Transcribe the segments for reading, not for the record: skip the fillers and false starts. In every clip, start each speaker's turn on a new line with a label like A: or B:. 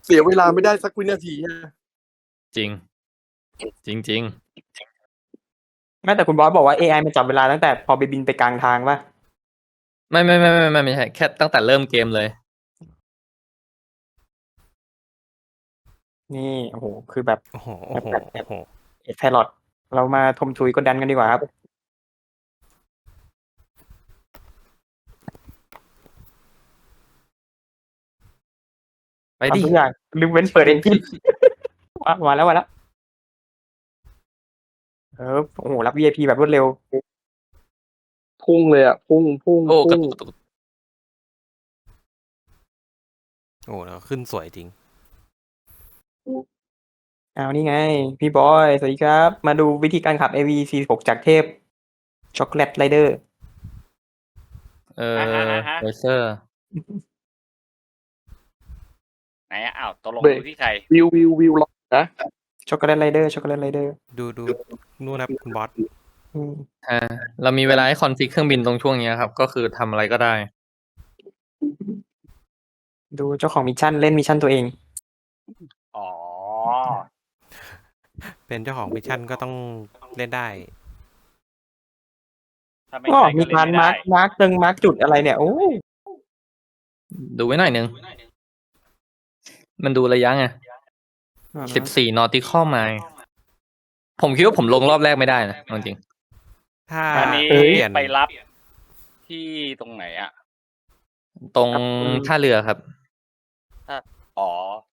A: เสียเวลาไม่ได้สักวินาทีนะ
B: จริง จริงจริง
C: แม้แต่คุณบอสบอกว่า AI มันจับเวลาตั้งแต่พอไปบินไปกลางทางป่ะ
B: ไม่ใช่แค่ตั้งแต่เริ่มเกมเลย
C: นี่โอ้โหคือแบบ
D: โอ้โห
C: เอ็ดไพลอตเรามาทมทุยกดดันกันดีกว่าครับ
B: ไปดิ
C: ทำทุกอย่างลืมเว้นเปิดเอนจินมาแล้วโอ้โหรับ VIP แบบรวดเร็ว
A: พุ่งเลยอ่ะพุ่ง
B: โอ้กระ
A: พุ่ง
B: ตุก
D: โอ้แล้วขึ้นสวยจริง
C: เอานี่ไง พี่บอยสวัสดีครับ มาดูวิธีการขับ AV46 จากเทพช็อกโกแลตไรเดอร์
B: เลเซอร์
E: ไหนอ้าวตกลง
A: เบรก
E: ดูที่ใคร
A: วิวล็อกนะ
C: ช็อกโกแลตไรเดอร์
D: ดูนู่นครับคุณบอส
B: เรามีเวลาให้คอนฟิกเครื่องบินตรงช่วงนี้ครับ ก็คือทำอะไรก็ได้
C: ดูเจ้าของมิชชั่นเล่นมิชชั่นตัวเอง
E: อ๋อ
D: เป็นเจ้าของมิชชั่นก็ต้องเล่นได้
E: ถ้าไม่
C: ก็
E: ใช่
C: มี
E: ก็เล่น
C: การ
E: ไม่
C: มาร์
E: ได้
C: กจุดอะไรเนี่ย โอ้
B: ดูไว้หน่อยนึง มันดูระยะไง14 nautical mile ผมคิดว่าผมลงรอบแรกไม่ได้นะจริง
D: ถ้า
E: อันนี้
D: เปลี่ยน
E: ไปรับที่ตรงไหนอ่ะ
B: ตรงท่าเรือครับ
E: อ๋อ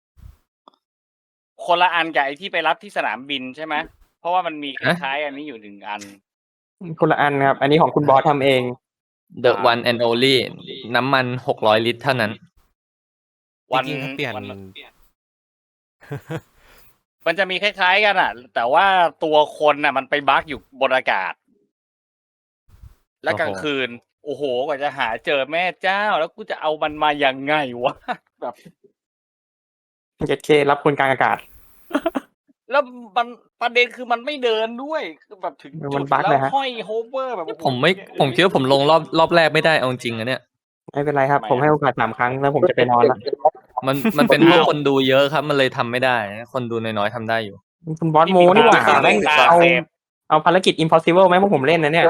E: คนละอันกับไอ้ที่ไปรับที่สนามบินใช่ไหมเพราะว่ามันมีคล้ายๆอันนี้อยู่1 อัน
C: คนละอันครับ อันนี้ของคุณบอสทำเอง
B: The one and only น้ำมัน600 ลิตรเท่านั้น
E: วัน
D: จริงๆถ้าเปลี่ยน
E: มันจะมีคล้ายๆกันอ่ะ แต่ว่าตัวคนน่ะ มันไปบั๊กอยู่บนอากาศ และกลางคืน โอ้โหกว่าจะหาเจอแม่เจ้า แล้วกูจะเอามันมายังไงวะ แบบ
C: 7K รับคนกลางอากาศ
E: แล้วมันประเด็นคือมันไม่เดินด้วยคือแบบถึง
C: มั
E: จุ
C: น
E: ด
C: บั๊ก
E: แล้
C: เล
E: วย
C: ฮะ
E: ห้อยโฮเวอร์แบบโอ้โห
B: ผมคิดว่าผมลงรอบแรกไม่ได้เอาจริงอะเนี่ย
C: ไม่เป็นไรครับ ผมให้โอกาส3 ครั้งแล้วผมจะไปนอนละ
B: มันเป็นเพราะคนดูเยอะครับ มันเลยทำไม่ได้ คนดูน้อยๆทำได้อยู่
C: คุณบอสโมนี่หว่าแม่ง
E: ตา
C: เอา
E: เซฟ
C: เอาภารกิจ impossible ไหมพวกผมเล่นนะเนี่ย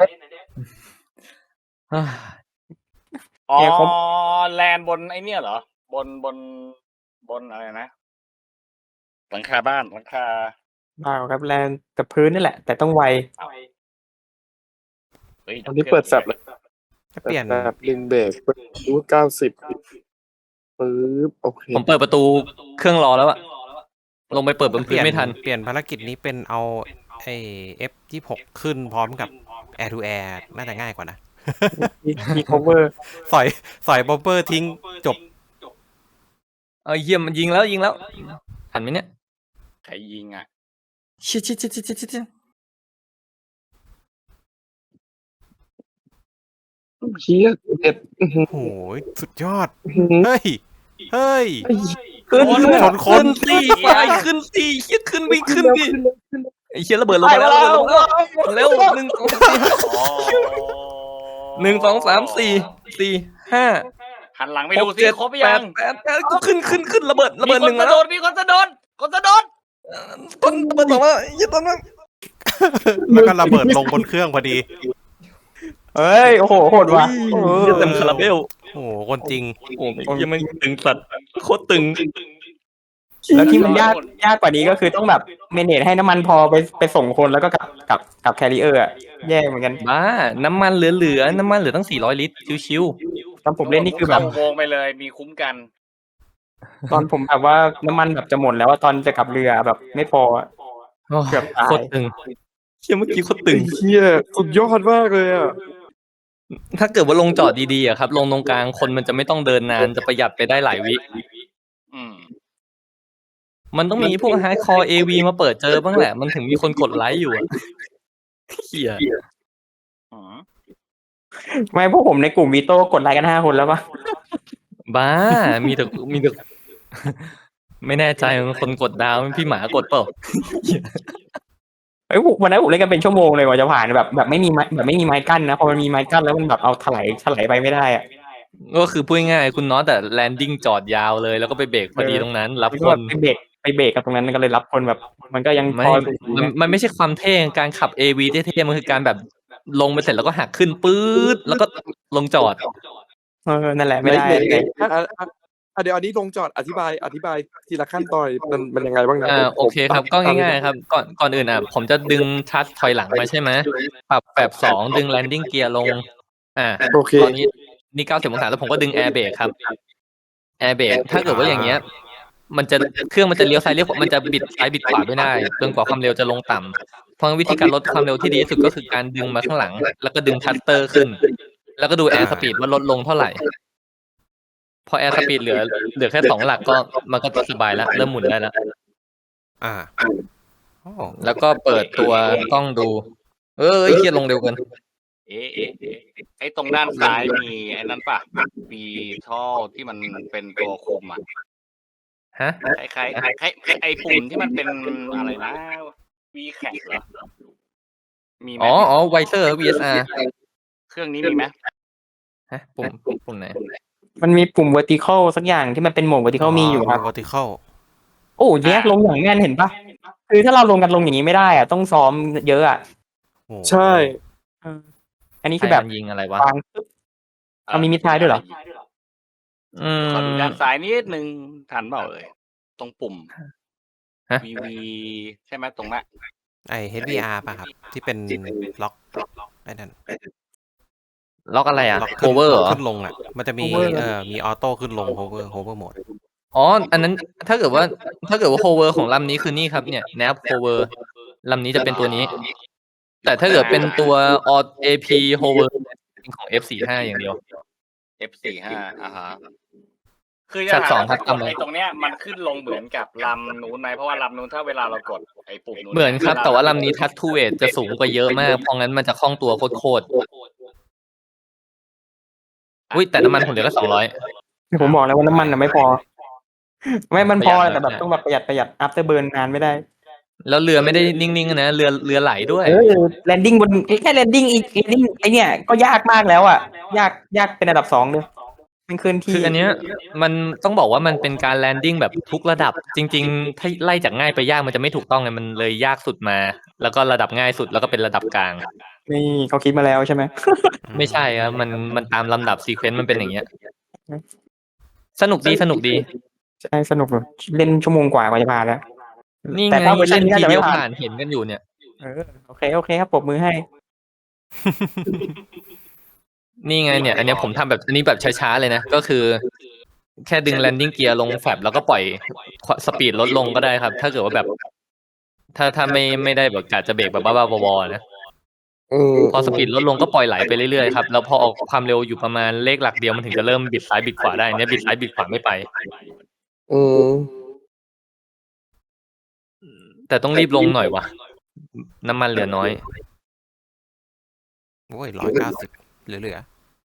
E: อ๋อ
C: เนี่ยผม
E: แลนด์บนไอ้เนี่ยเหรอ บนอะไรนะ หลังคาบ้านหลังคา
C: เปล่าครับแลนกับพื้นนี่แหละ แต่ต้องไว
E: เฮ้ย
A: อันนี้เปิดแฟบเลย
D: ถ้าเปลี่ยน
A: แบบดึงเบรกรูท90ปึ๊บโอเค
B: ผมเปิดประตูเครื่องรอแล้วอะลงไปเปิดบนพื้นไม่ทัน
D: เปลี่ยนภารกิจนี้เป็นเอาไอ้ F26 ขึ้นพร้อมกับ Air to Air น่าจะง่ายกว่านะ
C: มี cover
D: สอยบอมเบอร์ทิ้งจบ
B: เยี่ยมมันยิงแล้วทันไหมเนี่ย
E: ใครยิงอ่ะ
B: ชิด
A: เชี่ยเด็ด
D: โอ้โหสุดยอด เฮ้ย
C: ขึ้น
D: ชนคน
B: สี่ไฟขึ้นสี่เฮียขึ้นไปขึ้นดิไอ้เฮียระเบิดลงมาแล้วเร็ว1 2 3 4 5
E: หันหลังไป
B: 6
E: ดูซิ
B: 7
E: ครบหรือยัง
B: 8ก็ขึ้นระเบิด
E: มีคน
B: 1มา
E: จะ
B: แล้
E: โด
B: ว
E: นมีคนจะโดน
B: ต้นระเบิด2มาอย่าต้นนั้น
D: แล้วก็ระเบิดลงบนเครื่องพอดี
C: เฮ้ย โอ้โห โหดว่ะ
B: เต็มคาราเบล
D: โอ้โหคนจริง
B: โอ้ยยังมันตึงสัตว์โคตรตึง
C: แล้วที่มันยากกว่านี้ก็คือต้องแบบเมเนจให้น้ำมันพอไปส่งคนแล้วก็กับแคริเออร์อะแย่เหมือนกัน
B: บ้าน้ำมันเหลือน้ำมันเหลือตั้ง400 ลิตรชิว
C: ตอนผมเล่นนี่คือแบบ
E: เข้าโวงไปเลยมีคุ้มกัน
C: ตอนผมแบบว่าน้ำมันแบบจะหมดแล้วว่าตอนจะกลับเรือแบบไม่พออะ
B: ๆ
C: เกือบตาย
B: โคตรตึงเชี่ยเมื่อกี้โคตรตึง
A: เชี่ยสุดยอดมากเลยอ่ะ
B: ถ้าเกิดว่าลงจอดดีๆอะครับ ลงตรงกลางคนมันจะไม่ต้องเดินนานจะประหยัดไปได้หลายวิ
E: อืม
B: มันต้องมีพวก hardcore AV มาเปิดเจอบ้างแหละ มันถึงมีคนกดไลค์อยู่อะเหี้ย
E: อืม
C: ไม่พวกผมในกลุ่มวีโต้กดไลค์กัน5 คนแล้วปะ
B: บ้ามีแต่ ไม่แน่ใจว่าคนกดดาวพี่หมากดเปล่า
C: เฮ้ยวันนั้นผมเล่นกันเป็นชั่วโมงเลยกว่าจะผ่านแบบไม่มีไม้กั้นนะพอมันมีไม้กั้นแล้วมันแบบเอาถลายไปไม่ได้อะ
B: ก็คือพูดง่ายๆคุณน็อตแต่แลนดิ้งจอดยาวเลย แล้วก็ไปเบรกพอดีตรงนั้น รับ
C: มัน
B: ค
C: ก็แบ
B: น
C: บไปเบรกกับตรงนั้นก็เลยรับคนแบบ มันก็ยัง
B: ไม่
C: พอสูง
B: มันไม่ใช่ความเท่การขับ AV เท่ๆมันคือการแบบลงไปเสร็จแล้วก็หักขึ้นปื๊ดแล้วก็ลงจอด
C: นั่นแหละไม่ได้
A: ในเดี๋ยวอันนี้ลงจอดอธิบายทีละขั้นตอนมันยังไงบ้างนะ
B: โอเคครับก็ง่ายๆครับก่อนอื่นผมจะดึงทัชถอยหลังมาใช่ไหมปรับแบบ2ดึงแลนดิ้งเกียร์ลง
A: โอเค
B: ตอนนี้นี่90 องศาแล้วผมก็ดึงแอร์เบรกครับแอร์เบรกถ้าเกิดว่าอย่างเงี้ยเครื่องมันจะเลี้ยวซ้ายเลี้ยวขวามันจะบิดซ้ายบิดขวาไม่ได้จนกว่าความเร็วจะลงต่ำเพราะวิธีการลดความเร็วที่ดีที่สุดก็คือการดึงมาข้างหลัง แล้วก็ดึงทัตเตอร์ขึ้น แล้วก็ดูแอร์สปีดว่าลดลงเท่าไหร่พอแอร์สปีดเหลือแค่2 หลักก็มันก็สบายแล้วเริ่มหมุนได้แล้ว
D: โอ้
B: แล้วก็เปิดตัวกล้องดูเครียดลงเร็วเกิน
E: ไอ้ตรงด้านซ้ายมีไอ้นั้นป่ะมีท่อที่มันเป็นตัวคุมอ่ะ
B: ฮะ
E: คล้ายไอ้ปุ่มที่มันเป็นอะไรนะวีแคปเหรอมีไหม
B: ไวเซอร์ VSR
E: เครื่องนี้มีไหม
B: ฮะปุ่มไหน
C: มันมีปุ่ม vertical สักอย่างที่มันเป็นโหมด vertical มีอยู่ครับ
D: vertical
C: โอ้แยกลงอย่างแน่นเห็นปะคือถ้าเราลงกันลงอย่างนี้ไม่ได้อะต้องซ้อมเยอะอะ
D: โอ้
A: ใช่
C: อันนี้คือแบบ
B: ยิงอะไรวะ
C: วางปึ๊บเอามีมิดท้ายด้วยเหรอ
E: ขอดูด้านซ้ายนิดนึงทันเปล่าเลยตรงปุ่ม
B: ฮะ
E: VV ใช่ไหมตรงนั้น
D: ไอ HDR ป่ะครับ ที่เป็นล็อกไอ้นั่น
B: ล็อกอะไรอ่ะ
D: ล็อกขึ้น
B: cover เหรอ
D: ขึ้นลงอ่ะ มันจะมีมีออโต้ขึ้นลง hover mode
B: อันนั้นถ้าเกิดว่า hover ของลำนี้คือนี่ครับเนี่ย nav hover ลำนี้จะเป็นตัวนี้ แต่ถ้าเกิดเป็นตัว AP hover เป็นของ F45 อย่างเดียว
E: F45 ฮะคือ
B: ชั
E: จะ
B: ด
E: ถา
B: สอ
E: ม
B: งครับ
E: ว่ากดไอ้ตรงเนี้ยมันขึ้นลงเหมือนกับลำนู้นไหมเพราะว่าลำนู้นถ้าเวลาเรากดไอ้ปุ่มนู้น
B: เหมือนครับ แต่ว่าลำนี้ touch to weight จะสูงกว่าเยอะมาก เพราะงั้นมันจะคล่องตัวโคตรอุ้ยแต่น้ำมันผมเหลือแค่200
C: ผมบอกแล้วว่าน้ำมันไม่พอ ไม่มันพอ
B: ประหยัด
C: แต่แบบต้องแบบประหยัด after burn นานไม่ได้
B: แล้วเรือไม่ได้นิ่งๆนะเรือไหลด้วย
C: แลนดิ้งบนแค่แลนดิ้งอีกแลนดิ้งไอเนี่ยก็ยากมากแล้วอ่ะยากเป็นระดับ2เลยมันเคลื่อนที่
B: คืออันเนี้ยมันต้องบอกว่ามันเป็นการแลนดิ้งแบบทุกระดับจริงๆ ถ้าไล่จากง่ายไปยากมันจะไม่ถูกต้องไงมันเลยยากสุดมา แล้วก็ระดับง่ายสุดแล้วก็เป็นระดับกลาง
C: นี่เขาคิดมาแล้วใช่ไหม
B: ไม่ใช่ครับมันตามลำดับซีเควนต์มันเป็นอย่างเงี้ย สนุกดี
C: ใช่สนุกเลยเล่นชั่วโมงกว่าจะผ่านแล้ว
B: นี่
C: แต่
B: ไง
C: ถ้าเวอร์ชั
B: เล่
C: น
B: น
C: นี้น่า
B: ที
C: จะ
B: เดี
C: ไม่
B: ยว
C: ผ่า
B: ผ่าน นเห็นกันอยู่เนี่ย
C: โอเคครับปรบมือให้
B: นี่ไงเนี่ย อันเนี้ยผมทำแบบอันนี้แบบช้าๆเลยนะ ก็คือ แค่ดึงแลนดิ้งเกียร์ลงแฟบแล้วก็ปล่อยสปีดลดลงก็ได้ครับ ถ้าเกิดว่าแบบ ถ้าไม่ได้แบบกะจะเบรกแบบบ้าๆบอๆนะ พอสปีดลดลงก็ปล่อยไหลไปเรื่อยๆครับแล้วพอออกความเร็วอยู่ประมาณเลขหลักเดียวมันถึงจะเริ่มบิดซ้ายบิดขวาได้เนี่ยบิดซ้ายบิดขวาไม่ไปแต่ต้องรีบลงหน่อยวะน้ำมันเหลือน้อย
D: โอ้ย190เหลือ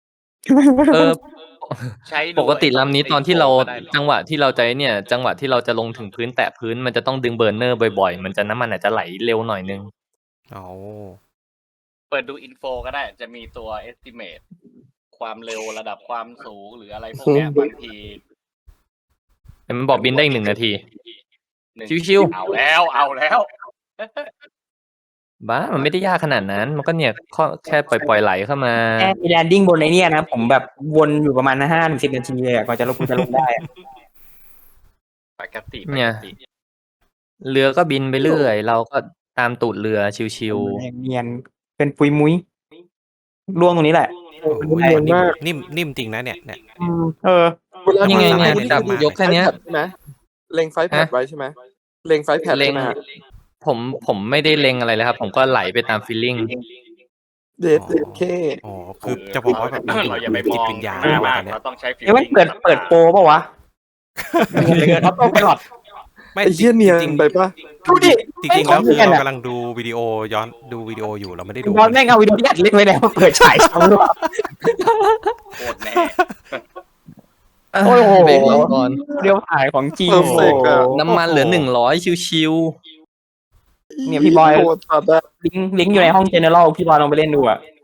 E: ใช้ดู
B: ปกติลำนี้ตอนที่เราจังหวะที่เราจะเนี่ย จังหวะที่เราจะลงถึงพื้นแตะพื้นมันจะต้องดึงเบอร์เนอร์บ่อยๆมันจะน้ำมันอาจจะไหลเร็วหน่อยนึง
D: โอ้
E: เปิดดูอินโฟก็ได้จะมีตัว estimate ความเร็วระดับความสูงหรืออะไรพวกเนี้ยบางที
B: แต่มันบอกบินได้อีก1 นาที ชิวๆ
E: เอาแล้ว
B: บ้ามันไม่ได้ยากขนาดนั้น มันก็เนี่ยแค่ปล่อยไหลเข้ามา
C: แค่แลนดิ้งบนไอเนี่ยนะผมแบบวนอยู่ประมาณ5-10 นาทีเลยกว่าจะลงได้
E: ปกติ
B: เนี่ย เรือก็บินไปเรื่อย เราก็ตามตูดเรือชิว
C: เนียนเป็นปุยมุ้ยล่วงตรงนี้แหละ
D: โห
A: เนียนมาก
D: นิ่มจริงนะเนี่ย
B: ๆยังไงเนี่ยจับยกแค่เนี้ย
A: ใช่ไหมเล็งไฟแพดไว้ใช่ไหมเล็งไฟแพด
B: เล็
A: ใช่
B: ง
A: ไหม
B: ผมไม่ได้เล็งอะไรเลยครับ ผมก็ไหลไปตามฟีลลิ่ง
A: เดทเค
D: อ๋อคือจะบอกว่าแบบมัน
E: เราอย่าไปม
D: จิต
E: อง
D: วิญญาณ
E: มาก
D: ว่า
E: มาก
D: เนี่ย
E: เราต้องใช้ฟีล
C: เอ้ยมันเปิดโปรป่ะวะเขาต้องไปหลอด
D: ไม่
A: ไอ้เหี้ยเนียน
D: จริง
A: ไปปะ
C: ดูดิ
D: จริงๆแล้วคือ
C: ไอ้ของเนียน
D: เรา
C: อะ
D: กำลังดูวิดีโอย้อนดูวิดีโออยู่เราไม่ได้ดู
C: บอลแม่งเอาวิดีโอที่อัดเล่นไว้แล้วเปิดฉายซ้ำด้วย
E: โคตรแน่
C: โอ้โห
B: เบรกเราก่อน
C: เดียวถ่ายของจริง
A: Perfect อะ
B: น้ำมันเหลือ100ชิว
C: เนี่ยพี่บอย
A: โคตรตัดอะ
C: ลิงก์อยู่ในห้องเจเนอเรลพี่บอยลองไปเล่นดูอ่ะ